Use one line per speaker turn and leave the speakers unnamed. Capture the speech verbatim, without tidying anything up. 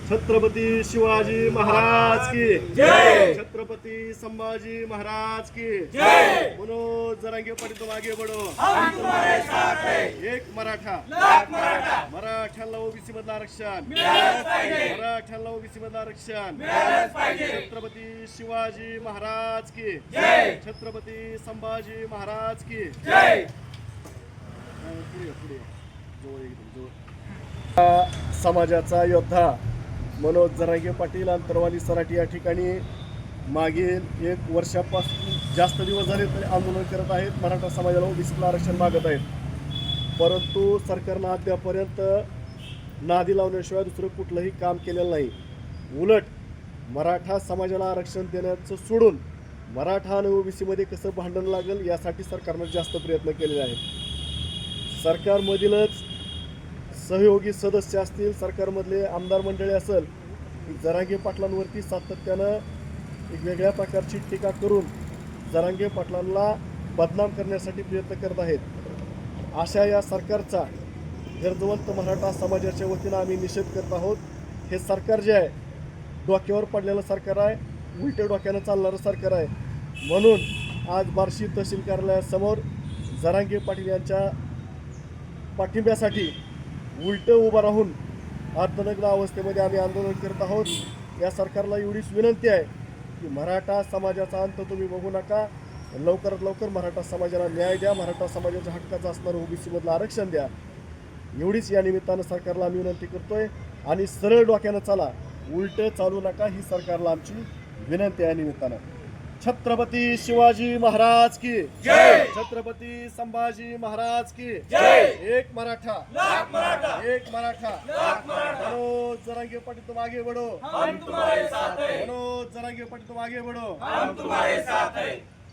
छत्रपती शिवाजी महाराज की जय। छत्रपती संभाजी महाराज की जय। मनोज जरांगे पाटील तुम आगे बढ़ो, हम तुम्हारे साथ हैं। एक मराठा, लाख मराठा, मराठ्याला ओबीसी मधलं आरक्षण मिळालंच पाहिजे, मराठ्याला ओबीसी मधलं आरक्षण मिळालंच पाहिजे। छत्रपती शिवाजी महाराज की जय। छत्रपती संभाजी महाराज की जय। पुढे पुढे जवळ एकदम जवळ। समाजाचा योद्धा मनोज जरांगे पाटील अंतरवाली सराटी या ठिकाणी मागील एक वर्षापासून जास्त दिवस झाले तरी आंदोलन करत आहेत। मराठा समाजाला ओबीसीला आरक्षण मागत आहेत, परंतु सरकारनं अद्यापर्यंत नादी लावण्याशिवाय दुसरं कुठलंही काम केलेलं नाही। उलट मराठा समाजाला आरक्षण देण्याचं सोडून मराठा आणि ओबीसीमध्ये कसं भांडण लागेल यासाठी सरकारनं जास्त प्रयत्न केलेले आहेत। सरकारमधीलच सहयोगी सदस्य असतील, सरकारमधले आमदार मंडळी असेल, जरांगे पाटलांवरती सातत्यानं एक वेगळ्या प्रकारची टीका करून जरांगे पाटलांना बदनाम करण्यासाठी प्रयत्न करत आहेत। अशा या सरकारचा गरजवंत मराठा समाजाच्या वतीनं आम्ही निषेध करत आहोत। हे सरकार जे आहे डोक्यावर पडलेलं सरकार आहे, उलट्या डोक्यानं चालणारं सरकार आहे। म्हणून आज बार्शी तहसील कार्यालयासमोर जरांगे पाटील यांच्या पाठिंब्यासाठी उलट उभा राहून अर्थनग्न अवस्थेमध्ये आम्ही आंदोलन करत आहोत। या सरकारला एवढीच विनंती आहे की मराठा समाजाचा अंत तुम्ही बघू नका, लवकरात लवकर मराठा समाजाला न्याय द्या, मराठा समाजाच्या हक्काचं असणारं ओबीसी मधलं आरक्षण द्या, एवढीच या निमित्तानं सरकारला आम्ही विनंती करतोय। आणि सरळ डोक्यानं चाला, उलट चालू नका, ही सरकारला आमची विनंती आहे। निमित्तानं छत्रपती शिवाजी महाराज की जय। छत्रपती संभाजी महाराज की जय। एक मराठा, लाख मराठा, एक मराठा, लाख मराठा। मनोज जरांगे पाटील तुम आगे बढ़ो, हम तुम्हारे साथ हैं। मनोज जरांगे पाटील तुम आगे बढ़ो, हम तुम्हारे साथ हैं।